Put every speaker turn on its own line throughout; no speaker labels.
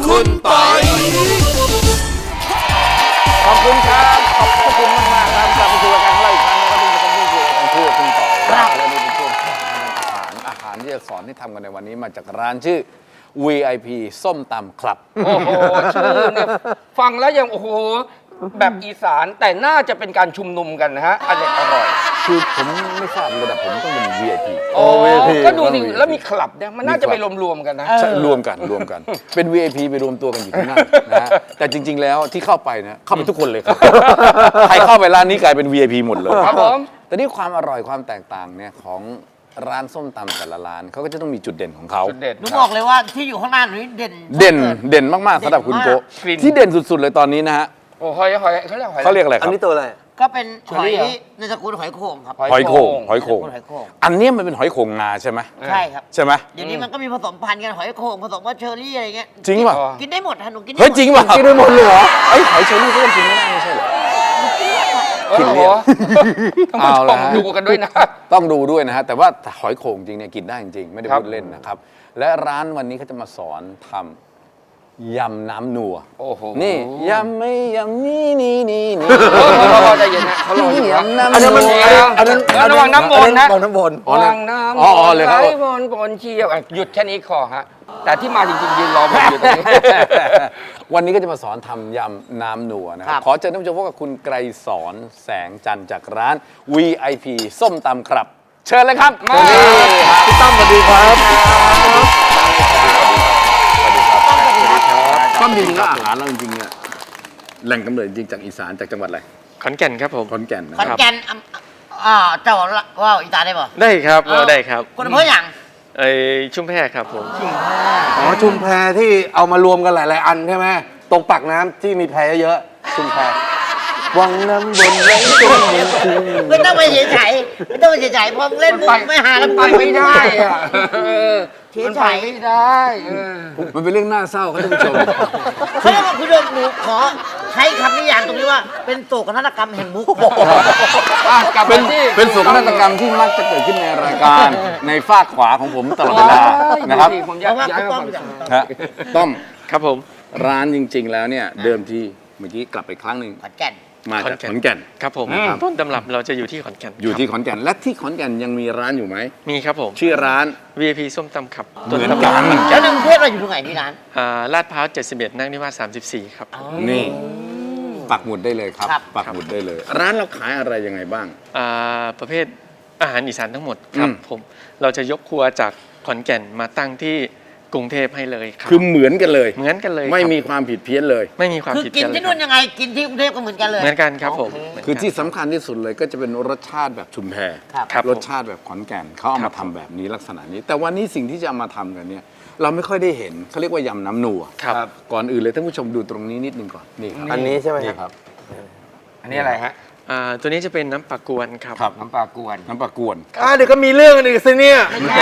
คุณปอย
ขอบคุณครับขอบคุณมากๆครับกลับมาสู่รายการของเราอีกครั้งนะครับที่จะพูดคุยกันพูดคุณต่อแล้วนี่เป็นช่วงอาหารที่จะสอนที่ทำกันในวันนี้มาจากร้านชื่อ VIP ส้มตำครับ
โอ้โหชื่อเนี่ยฟังแล้วยังโอ้โหแบบอีสานแต่น่าจะเป็นการชุมนุมกันนะฮะอร่อย
คือผมไม่ทราบระดับผมต้องเป็น VIP
โอ้ก็ดูดิแล้วมีคลับเนี่ยมันน่าจะไปรวมๆกันนะ
รวมกันเป็น VIP ไปรวมตัวกันอยู่ที่นั่นนะแต่จริงๆแล้วที่เข้าไปนะเข้าไปทุกคนเลยครับใครเข้าไปร้านนี้กลายเป็น VIP หมดเลย
ครับผม
แต่นี่ความอร่อยความแตกต่างเนี่ยของร้านส้มตำแต่ละร้านเขาก็จะต้องมีจุดเด่นของเขา
หนูบอกเลยว่าที่อยู่ข้างหน้าหนูเ
ด่นมากๆสำหรับคุณโกที่เด่นสุดๆเลยตอนนี้นะฮะ
โอ้หอย
เขาเรียกอะไรครับ
อันนี้ตัวอะไร
ก็เป็นหอยในตระกูลหอยโข่งครับ
หอยโข่งอันนี้มันเป็นหอยโข่งงาใช่ไหม
ใช่ครับ
ใช่ไหม
เดี๋ยวนี้มันก็มีผสมพันธุ์กันหอยโข่งผสมกับเชอร์รี่อะไรเงี้ย
จริงป่ะ
กินได้หมดฮะหนูกินได้
เฮ้ยจริงป่ะกินได้หมดเลยเหรอไอ้หอยเชอร์รี่ก็กินไม่ได้ไม่ใช่เหรอ
กินเรียบต้องดูกันด้วยนะ
ต้องดูด้วยนะฮะแต่ว่าหอยโข่งจริงเนี่ยกินได้จริงไม่ได้พูดเล่นนะครับและร้านวันนี้เขาจะมาสอนทำยำน้ำนัว
โอ้โห
นี่ยำไม่ยำนี่
เขาใจเย็นนะเขารออยู่นะ
อันนั้นมัน
ระวังน้ำบนนะ
วางน้ำบน
วางน้ำ
เลยครับ
บนเชี่ยวหยุดแค่นี้คอฮะแต่ที่มาจริงๆยืนรอผมอยู่ตรงนี้
วันนี้ก็จะมาสอนทำยำน้ำนัวนะครับขอเชิญท่านผู้ชมพบกับคุณไกรสอนแสงจันทร์จากร้าน VIP ส้มตำครับเชิญเลยครับ
มา
พี่ตั้มสวัสดีครับ
ก็จริงๆแล้วอาหารเราจริงๆเนี่ยแหล่งกำเนิดจริงจากอีสานจากจังหวัดอะไร
ขอนแก่นครับผม
ขอนแก่น
ขอนแก่นเจ้าว่าอีสานได้ป่ะ
ได้ครับได้ครับ
คนอำเภออย่าง
ชุมแพครับผม
ชุมแพที่เอามารวมกันหลายๆอันใช่ไหมตรงปากน้ำที่มีแพเยอะๆชุมแพวังน้ำบนไว้ตรงนี้
ไม่ต้องไปเฉยไม่ต้องไปเฉยพอเล่นมุกไม่หาแล้ว
ไปไม่ได้อะ
มันไป
ไม่ได้
มันเป็นเรื่องน่าเศร้าครับท่านผู้ชม
เขาเรียกว่าคุณผู้ชมหนูขอใช้คำนิยามตรงนี้ว่าเป็นโศกนาฏกรรมแห่งมุก
เป็นโศกนาฏกรรมที่มักจะเกิดขึ้นในรายการในฝากขวาของผมตลอดเวลานะครับต้อม
ครับผม
ร้านจริงๆแล้วเนี่ยเดิมทีเมื่อกี้กลับไปครั้งหนึ่ง
ขอนแก่น
มาจากขอนแก่น
ครับผมต้นตำรับเราจะอยู่ที่ขอนแก่น
อยู่ที่ขอนแก่นและที่ขอนแก่นยังมีร้านอยู่ไหม
มีครับผม
ชื่อร้าน
VIP ส้มตำครับ
เหมือนกัน
แล้วในกรุงเทพเราอยู่ตรงไหนที่ร้าน
ลาดพร้าว71นั่งนิวาส34ครับ
นี่ปักหมุดได้เลยครับปักหมุดได้เลยร้านเราขายอะไรยังไงบ้าง
ประเภทอาหารอีสานทั้งหมดครับผมเราจะยกครัวจากขอนแก่นมาตั้งที่กรุงเทพให้เลยครับ
คือเหมือนกันเลยไม่มีความผิดเพี้ยนเลย
ไม่มีความผิด
เพี้ยนคือกินที่นู่นยังไงกินที่กรุงเทพก็เหมือนกันเลย
เหมือนกันครับผม
คือที่สำคัญที่สุดเลยก็จะเป็นรสชาติแบบชุมแพรสชาติแบบขอนแก่นเขาเอามาทำแบบนี้ลักษณะนี้แต่วันนี้สิ่งที่จะเอามาทำกันเนี่ยเราไม่ค่อยได้เห็นเขาเรียกว่ายำน้ำนัวก่อนอื่นเลยท่านผู้ชมดูตรงนี้นิดนึงก่อนนี่ครับ
อันนี้ใช่ไหม
ครับ
อันนี้อะไรฮะ
ตัวนี้จะเป็นน้ำปลากวนครับ
น้ำปลากวน
เดี๋ยวก็มีเรื่องอีกสิเนี่ย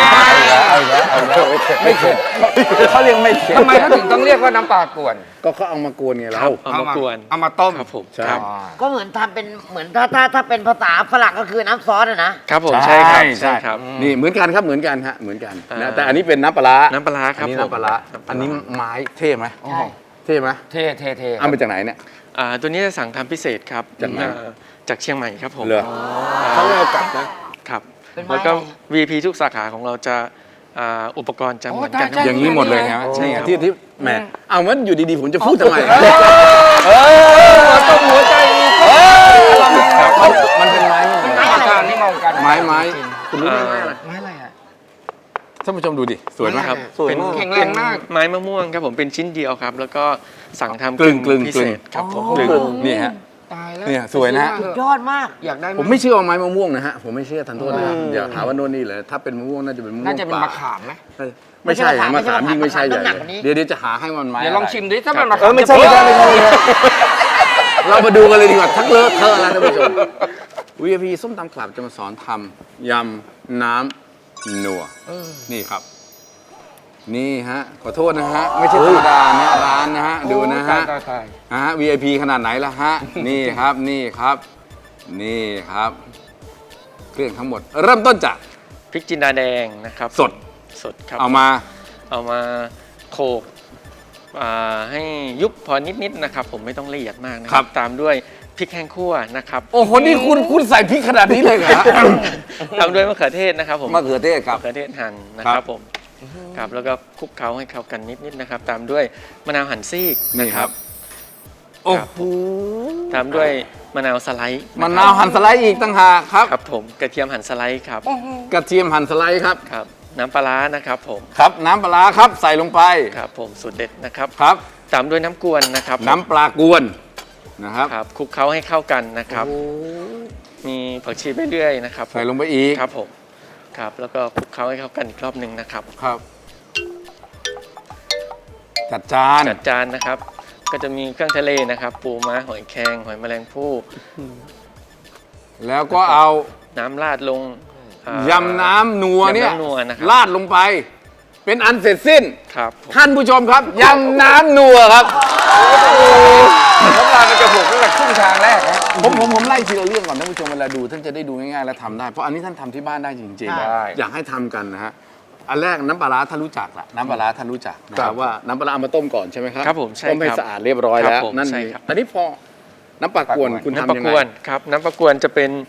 ไม่เข็ดเขาเรียกไม่เข็ด
ทำไมเขาถึงต้องเรียกว่าน้ำปลากวน
ก็เขาเอามากวนไงเรา
เอามากวน
เอามาต้ม
ครับผม
ก็เหมือนทำเป็นเหมือนถ้าเป็นภาษาฝรั่งก็คือน้ำซอสนะครับ
ผมใช่ครับ
นี่เหมือนกันครับเหมือนกันฮะเหมือนกันนะแต่อันนี้เป็นน้ำปลา
ครับ
อันนี้น้ำปลาอันนี้ไม้เท่ไหมเท่ไหม
เท่
เอามาจากไหนเนี่ย
ตัวนี้จะสั่งทำพิเศษครับจากเชียงใหม่ครับผม
เขาไม่เอากลับนะครับ
แล้วก็ VIP ทุกสาขาของเราจะอุปกรณ์จะเหมือนกัน
อย่างนี้หมดเลยครับใช่ครับที่แหมเอามันอยู่ดีๆผมจะพูดทำไม
ต้องหัวใจ
มันเป็นไม้ไม้คุณรู้
ไม้อะไร
ท่านผู้ชมดูดิสวยไหมครับ
เป็นแข็งแรงมาก
ไม้มะม่วงครับผมเป็นชิ้นเดียวครับแล้วก็สั่งทำ
กลึง
พิเศษครับผม
นี่ฮะเนี่ยสวยนะฮะ
ยอดมาก
อยากได้
ผมไม่เชื่อว่าไม้มะม่วงนะฮะผมไม่เชื่อทันโทษนะครับอย่าหาว่าโน่นนี่เลยถ้าเป็นมะม่วงน่าจะเป็นมะม่วง
น่าจะเป็นมะขามไหม
ไม่ใช่มะขามยิ่งไม่ใช่เลยเดี๋ยวจะหาให้มันไม้
เดี๋ยวลองชิมดิถ้ามันมะขาม
ไม่ใช่
เรามาดูกันเลยดีกว่าทั้งเลอะเทอะแล้วท่านผู้ชม VIP ส้มตำคลับจะมาสอนทำยำน้ำนัวนี่ครับนี่ฮะขอโทษนะฮะไม่ใช่ธรรมดานะร้านนะฮะดูนะฮะVIP ขนาดไหนล่ะฮะนี่ครับนี่ครับเครื่องทั้งหมดเริ่มต้นจาก
พริกจินดาแดงนะครับ
สด
ครับ
เอามา
โขลกให้ยุบพอนิดๆนะครับผมไม่ต้องละเอียดมากนะค
ครั
รับ บตามด้วยพริกแห้งคั่วนะครับ
โอ้โหนี่คุณใส่พริกขนาดนี้เลยเหรอ
ตามด้วยมะเขือเทศนะครับผม
มะเขือเทศครับ
มะเขือเทศหั่นนะ
ค
ค
รั
รั
บบ
ผมครับแล้วก็คลุกเคล้าให้เข้ากันนิดๆนะครับตามด้วยมะนาวหั่นซีก
นี่
นะ
ค
ค
รั
รั
บบ โอ้โห
ตามด้วยมะนาวสไลด์
มะนาวหั่นสไลด์อีกต่างหากครับ
ครับผมกระเทียมหั่นสไลด์ครับ
กระเทียมหั่นสไลด์ครับ
ครับน้ำปลาร้านะครับผม
ครับน้ำปลาร้าครับใส่ลงไป
ครับผมสูตรเด็ดนะครับ
ครับ
ตามด้วยน้ำกวนนะครับผม
น้ำปลากวนนะครับ
ครับคลุกเคล้าให้เข้ากันนะครับ มีผักชีไปเรื่อยนะครับ
ใส่ลงไปอีก
ครับผมครับแล้วก็คลุกเคล้าให้เข้ากันอีกรอบหนึ่งนะครับ
ครับ จัดจาน
จัดจานนะครับ ก็จะมีเครื่องทะเลนะครับ ปูม้าหอยแครงหอยแมลงภู่
แล้วก็เอา
น้ำราดลงย
ยำน้ำนัวเนี่ย
ยำน้ำนัวนะครับ
ราดลงไป เป็นอันเสร็จสิ้น
ครับผม
ท่านผู้ชมครับยำน้ำนัวครับ
น้ำลายมันจะหกตั้งแต่ครึ่งทางแรกนะ
ผมไล่ทีละเรื่องก่อนท่านผู้ชมเวลาดูท่านจะได้ดูง่ายๆและทำได้เพราะอันนี้ท่านทำที่บ้านได้จริง
ได้
ๆอยากให้ทำกันนะฮะอันแรกน้ำปลาร้าท่านรู้จักละน้ำปลาร้าท่านรู้จักนะครับว่าน้ำปลาร้าเอามาต้มก่อนใช่ไหมครับ
ครับผมใช่
ต้มให้
ครับ
สะอาดเรียบร้อย
ครับ
แล้ว
ผม
นั่น
ใช่
เอง
ครับ
อันนี้พอน้ำปลากวนคุณ
น้ำ
ทำ
ปลา
ยัง
ก
ไง
วนครับน้ำปลากวนจะเป็น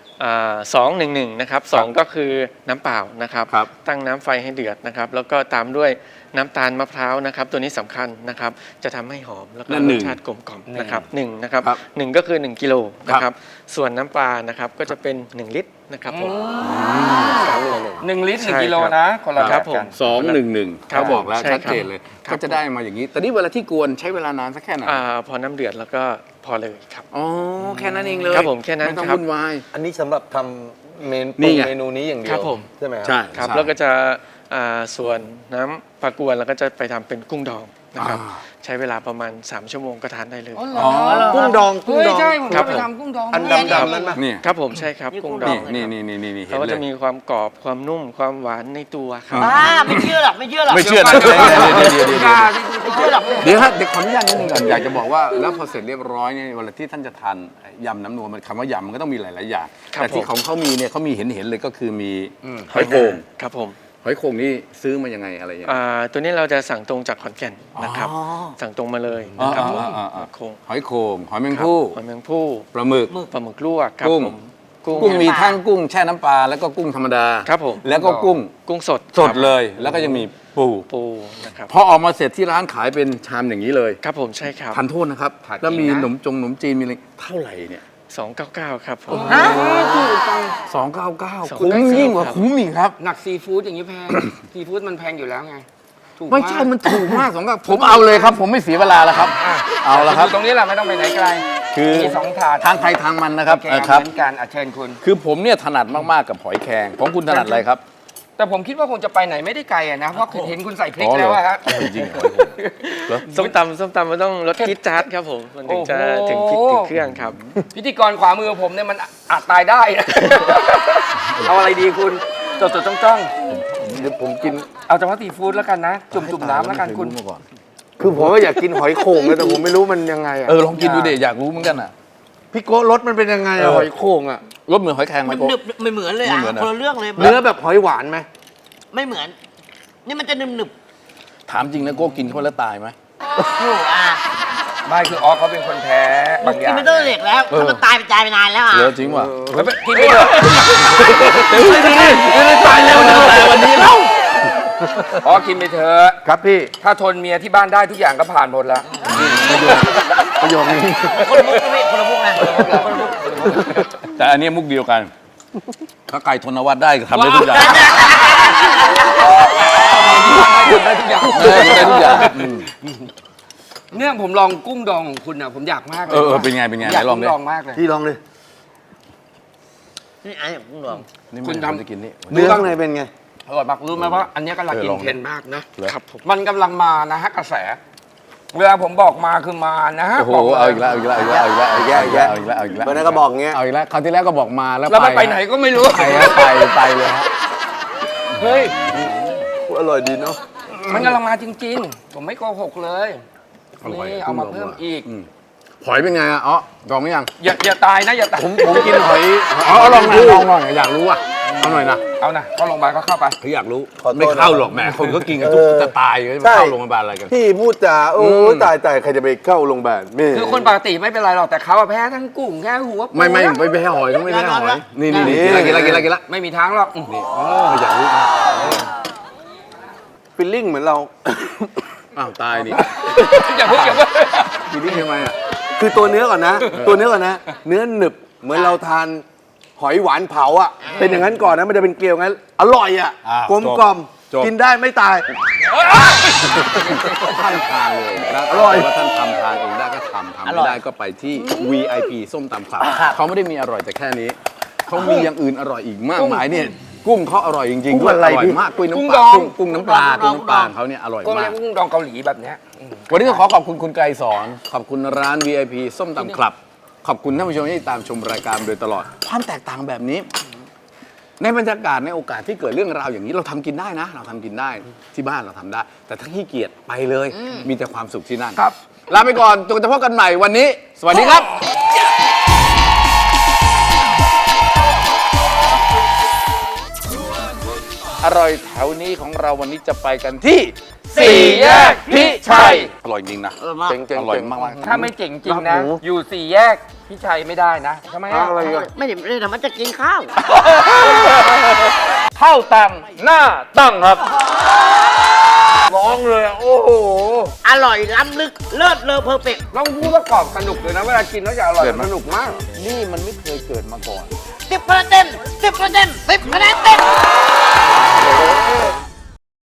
2-1-1นะครับ2ก็คือน้ำเปล่านะครับ
ครับ
ตั้งน้ำไฟให้เดือดนะครับแล้วก็ตามด้วยน้ำตาลมะพร้าวนะครับตัวนี้สำคัญนะครับจะทำให้หอมแล้วก็
นั่น
ร
หนึ่
ส
ง
ชาติกลมกล่อมนะครับ1นะครับ
ครับ
1ก็คือ1กิโลนะค
ครั
รับบ ส่วนน้ำปลานะครับก็จะเป็น1ลิตรนะครับผม
1 ลิตร
ใช่
1 กิโล
ครับ
นะคนละ
ค
แบ
รับบ ผม
กัน
2-1-1
ครับ
เขาบอกแล้ว
ใช่
ชัด
ครับ
เจนเลย
ครับ
ก็จะได้มาอย่างนี้ แต่นี่เวลาที่กวนใช้เวลานานสักแค่ไหน
พอน้ำเดือดแล้วก็พอเลยครับ
อ๋อแค่นั้นเองเลย
ครับผมแค่นั้น
ไม่ต้อง
ครับ
วุ่นวาย
อันนี้สำหรับทำ
นี่ไง
เมนูนี้อย่างเดียว
ครับผม
ใช่ไหมครั
ใช่
ครับ
ใช่
แล้วก็จะส่วนน้ำปลากวนแล้วก็จะไปทำเป็นกุ้งดองนะครับ
อ่า
ใช้เวลาประมาณ3ชั่วโมงก็ทานได้เลย
อ๋อเหร
อ๋อ
กุ้งดองกุ้ง
เฮ้ย
ดอง
ใช่ผม
ครั
จะ
บ
ไป
ผม
ทำกุ้งดอง
อัน
ด้วย
ดำๆนั้นปะ
นี่
ครับผมใช่ครับกุ้งดอง
นี่
นะครับ
นี่เห็น
เขาก็
เล
จะ
ย
มีความกรอบความนุ่มความหวานในตัวครับ
ไม่เชื่อหรอกไม่เชื่อหรอก
ไม่เชื่อนะเดี๋ยว
ไม่เชื่อหรอก
เดี๋ยวฮะเดี๋ยวขออนุญาตนิดนึงก่อนอยากจะบอกว่าแล้วพอเสร็จเรียบร้อยเนี่ยเวลาที่ท่านจะทานยำน้ำนัวมันคำว่ายำมันก็ต้องมีหลายๆอย่าง
ครับ
แต่ที่
ผม
ของเขามีเนี่ยเขามีเห็นเลยก็คือมีหอยโขง
ครับผม
หอยโขงนี่ซื้อมายังไงอะไรยังไง
ตัวนี้เราจะสั่งตรงจากขอนแก่นนะครับ
อ๋อ
สั่งตรงมาเลยนะครับผม
อ่า
โคง
หอยโขงหอยแมง
ครับ
ภู่
หอยแมงภู่
ปลาหมึก
ปลาหมึกลวกครับ
กุ้ง
ผมกุ้ง
กุ้งมีทั้งกุ้งแช่น้ำปลาแล้วก็กุ้งธรรมดา
ครับผม
แล้วก็กุ้ง
กุ้งสด
สด
ครับ
เลย แล้วก็ยังมีปู
ปูนะครับ
พอออกมาเสร็จที่ร้านขายเป็นชามอย่างนี้เลย
ครับผมใช่ครับ
ทันโทษนะครับ
ผัด
แล้วมี
จริงนะ
ขนมจีนมีอะไรเท่าไหร่เนี่ย
299ครับผม
299คุ้มยิ่งกว่าคุ้มอีกครับ
หนักซีฟู้ดอย่างนี้แพง ซีฟู้ดมันแพงอยู่แล้วไงถูก
ไม่ใช่มันถูกมากผมเอาเลยครับ ผมไม่เสียเวลาแล้วครับ เอาละครับ
ตรงนี้แหละไม่ต้องไปไหนไกล
คือ
มี2 ถาด
ทางใครทางมันนะครับ
โอเค
ครับ
เหมือนกันเชิญคุณ
คือผมเนี่ยถนัดมากๆกับหอยแครงของคุณถนัดอะไรครับ
แต่ผมคิดว่าคงจะไปไหนไม่ได้ไกลอะนะเพราะเห็นคุณใส่พริก
อ๋อเหรอ
แล้วอะฮะ
จริงๆเหรอ
ส้มตำมันต้องรสจี๊ดจ๊าดครับผมมันถึงจะ
โอ้โห
ถึงพริกถึงเครื่องครับ
พิธีกรขวามือผมเนี่ยมันอาจตายได้นะ เอาอะไรดีคุณจดจ้อง
เดี๋ยวผมกิน
ๆเอาเฉพาะซีฟู้ดแล้วกันนะ จุ่มน้ำแล้วกันคุณ
คือผมก็อยากกินหอยโข่งเลยแต่ผมไม่รู้มันยังไงอ่ะ
ลองกินดูเด็อยากรู้เหมือนกันอ่ะ
พี่โก้รสมันเป็นยังไงอะหอยโข่งอ่ะ
รสเหมือนหอยแครงไหม
มัน
โก
หนึบไม่เหมือนเลย
ไม่
อ่ะ
เหมือนอะ
คนละเรื่องเลย
เนื้อแบบหอยหวานไหม
ไม่เหมือน นี่มันจะหนึบ
ถามจริงนะโก้กินเข้าไปแล้วตายไหม
ๆโอ้โหอ่ะ
ไม่คือออฟเขาเป็นคนแพ้
มึ
บาง งอ
กิน
ย่าง
ไม่ต้องเด็กแล้วถ้ามันตายไปไปนานแล้วอ่ะ
เหลือจริงว่ะ
กินไปเถอะ
ไม่ได้ตายเร็วนะแต่วันนี้แล้ว
อ๋อกินไปเถอะ
ครับพี่
ถ้าทนเมียที่บ้านได้ทุกอย่างก็ผ่านหมดแล้ว
ประโยคนี้
คนละมุกนะพี่คนละมุกนะคนละมุก
แต่อันนี้มุกเดียวกัน ถ้าไก่ทนวัฒน์ได้ก็ทำได้ทุกอย่าง
ได้ทุกอย่าง
ได้ทุกอย่าง
เนี่ยผมลองกุ้งดองของคุณอ่ะผมอยากมากเลย
เป็นไงเป็นไง
อยาก
ไหนลอง
กุ้
ดิ
งดองมากเลย
พี่ลองเลย
นี่ไอ้ผมลอง
นี่
คุณ
คุณ
ทำ
ทำจะกินนี่
เนื้อข้างในเป็นไง
อร่อยมากรู้ไหมว่าอันเนี้ยกำลัง
เออ
กิน
ลอง
เทรนด์มากนะ
ครับผม
มันกำลังมานะฮะกระแส เวลาผมบอกมาคือมานะฮะ
โอ้โห
บกลย
เอาอีกแล้วเอาอีกแล้วเอาอีกแล้วเอาอีกแล้วเอาอีกแล้วเอาอีกแล้ว
วันนั้นก็บอกเงี้ย
เอาอีกแล้วคราวที่แล้วก็บอกมาแล้ว
แล้วมันไปไหนก็ไม่รู้
ไปแล้วไปเลยฮะ
เฮ้ย
อร่อยดีเนาะ
มันกำลังมาจริง ๆ ผมไม่โกหกเลยนี่เอามาเพิ่มอีก
หอยเป็นไงอ่ะอ๋อลองหรือยัง
อย่าตายนะอย่าตาย
ผมกินหอย
อ๋อลองอยากรู้อ่ะเอาหน่อยนะ
เอานะเข้าโรงพยาบาลก็เข้าไป
เขาอยากรู้
ขอโทษ
ไม่เข้าหรอกแหมคนก็กินกันทุกจะตายจะเข้าโรงพยาบาลอะไรกัน
พี่พูดจาโอ้ยตายใครจะไปเข้าโรงพยาบาลแม่
คือคนปกติไม่เป็นไรหรอกแต่เขาอะแพ้ทั้งกุ้งแค่หัวปู
ไม่
นะ
แพ้หอยเขาไม่แพ้หอยนี่กินละ
ไม่มีทางหรอก
นี่อยากรู้
ฟิลลิ่งเหมือนเรา
อ้าวตายนี่
อย่าเพิ่ง
กินนี่ทำไมอ่ะ
คือตัวเนื้อก่อนนะ ตัวเนื้อก่อนนะ เนื้อหนึบเหมือนเราทานหอยหวานเผาอ่ะ เป็นอย่างนั้นก่อนนะมันจะเป็นเกลียวงั้น อร่อยอ่ะ กลมกล่อมกินได้ไม่ตาย
ท่านทานเลยนะ
อร่อย
ว่าท่านทำทานเองได้ก็ทำไม่ได้ก็ไปที่ VIP ส้มตำคลับเขาไม่ได้มีอร่อยแต่แค่นี้เขามีอย่างอื่นอร่อยอีกมากมายเนี่ยกุ้งเขาอร่อยจริงๆด้วยอร่อยมากกุ้งน้ำปลากุ้งน้ำปลาเขาเนี่ยอร่อย
ก็
มา
เรีย
ก
กกุ้งดองเกาหลีแบบเนี้ย
วันนี้ต้องขอบคุณคุณไกรสอนขอบคุณร้าน VIP ส้มตำคลับ ขอบคุณท่านผู้ชมที่ตามชมรายการโดยตลอด ความแตกต่างแบบนี้ ในบรรยากาศในโอกาสที่เกิดเรื่องราวอย่างนี้เราทำกินได้นะ เราทำกินได้ที่บ้านเราทำได้ แต่ถ้าขี้เกียจไปเลย มีแต่ความสุขที่นั่น
ครับ
ลาไปก่อนจนจะพบกันใหม่วันนี้ สวัสดีครับ อร่อยแถวนี้ของเราวันนี้จะไปกันที่
สี่แยกพิชัย
อร่อยจริงนะ
เจ๋งๆ
อร่อยมากๆ
ถ้าไม่เจ๋งจริงนะ อยู่สี่แยกพี่ชัยไม่ได้นะทำไมอะ
อะไรอ่ะ
ไม่ได้ทำมันจะกินข้าว
เข้าตังหน้าตั้งครับร้องเลยอะโอ้โห
อร่อยล้ำลึกเลิศเลอเพอร์เฟกต์
ลองพูดว่ากรอบสนุกเลยนะเวลากินแล้วจะอร่อยสนุกมาก
นี่มันไม่เคยเกิดมาก่อน
10 คะแนนเต็ม 10 คะแนนเต็ม 10 คะแนนเต็ม